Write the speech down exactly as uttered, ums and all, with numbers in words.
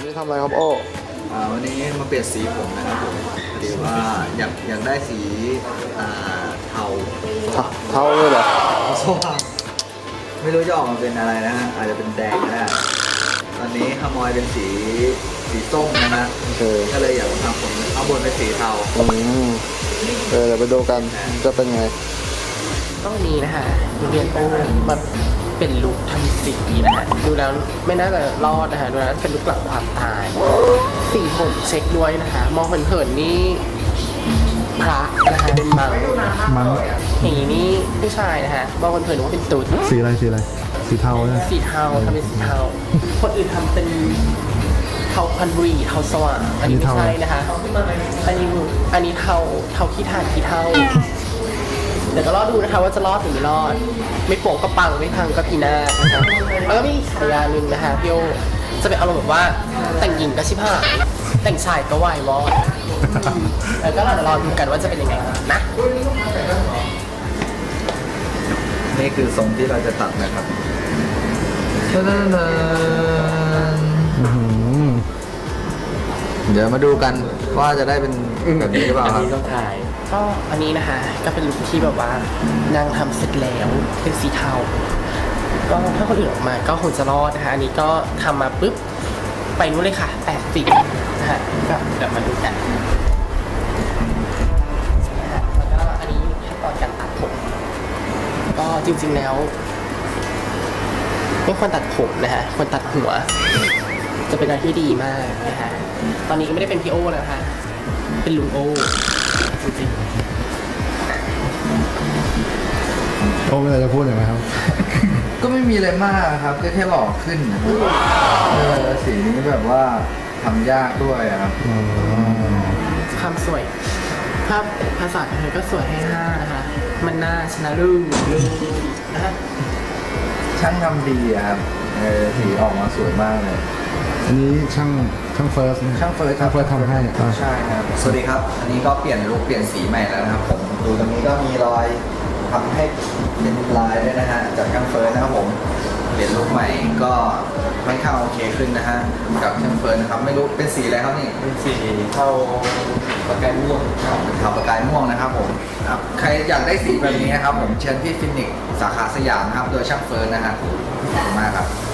นี่ทำอะไรครับโอ้อ่าวันนี้มาเปลี่ยนสีผมนะครับผมพอดีว่าอยากอยากได้สีอ่าเทาเท่าเลยเหรอสว่างไม่รู้จะออกมาเป็นอะไรนะฮะอาจจะเป็นแดงก็ได้ตอนนี้ฮามอยเป็นสีสีส้มนะฮะโอเคก็เลยอยากทำผมข้างบนเป็นสีเทาอืมเออเดี๋ยวไปดูกันจะเป็นไงต้องมีนะฮะเรียนโอ้มาเป็นลุคทำสีนะฮะดูแล้วไม่น่าจะรอดนะฮะดูแล้วเป็นลุคหลังความตายสีผมเช็คด้วยนะฮะมองเผินๆนี่พระนะฮะเป็นมังมันอย่างนี้นี่ผู้ชายนะฮะมองเผินๆนึกว่าเป็นตุ๊ดสีอะไรสีอะไรสีเทาใช่ไหมสีเทาทำเป็นสีเทาคนอื่นทำเป็นเทาพันบุรีเทาสว่างอันนี้ไม่ใช่นะคะอันนี้อันนี้เทาเทาขี้ถ่านขี้เทาเดี๋ยวก็รอดูนะคะว่าจะรอดหรือไม่รอด ไม่โป่งก็ปังไม่พังก็พีนาศนะคะแล้วก็มีฉายาหนึ่งนะคะพี่โอจะเป็นอารมณ์แบบว่าแต่งหญิงก็ชิบหายแต่งชายก็วายวอดแล้วก็เราจะรอดูกันว่าจะเป็นยังไงนะนี่คือทรงที่เราจะตัดนะครับเดี๋ยวมาดูกันว่าจะได้เป็นแบบนี้หรือเปล่าอันครับนี้ต้องถ่ายก็อันนี้นะคะก็เป็นลุคที่แบบว่านางทำเสร็จแล้วเป็นสีเทาก็ถ้าคนอื่นออกมาก็คงจะรอดนะคะอันนี้ก็ทำมาปุ๊บไปนู้นเลยค่ะแปดสิบนะฮะก็เดี๋ยวมาดูกันนะฮะแล้วก็อันนี้ขั้นตอนการตัดผมก็จริงๆแล้วไม่ควรตัดผมนะฮะควรตัดหัว จะเป็นอะไรที่ดีมากนะฮะตอนนี้ก็ไม่ได้เป็นพี่โอแล้วนะคะเป็นลุงโอจริงโอ้ไม่อะไรจะพูดเลยไหมครับก็ไม่มีอะไรมากครับก็แค่หล่อขึ้นนะครับเออสีนี้แบบว่าทำยากด้วยอะครับอ๋อๆความสวยภาพภาษาไทยก็สวยให้ห้านะคะมันน่าชนะรุ่งรุ่งนะฮะช่างทำดีอะครับเออสีออกมาสวยมากเลยอันนี้ช่างช่างเฟิร์สช่างเฟิร์สช่างเฟิร์สทำให้อ่ะใช่ครับสวัสดีครับ อันนี้ก็เปลี่ยนลุคเปลี่ยนสีใหม่แล้วนะครับผมดูตรงนี้ก็มีรอยทำให้เป็นลายด้วยนะฮะจากช่างเฟิร์สนะครับผมเปลี่ยนลุคใหม่ก็ค่อนข้างโอเคขึ้นนะฮะกับช่างเฟิร์สนะครับไม่รู้เป็นสีอะไรครับนี่เป็นสีเทาประกายม่วงเป็นขาวประกายม่วงนะครับผมครับใครอยากได้สีแบบนี้นะครับผมเชิญที่ฟินิกส์สาขาสยามนะครับโดยช่างเฟิร์นนะฮะขอบคุณมากครับ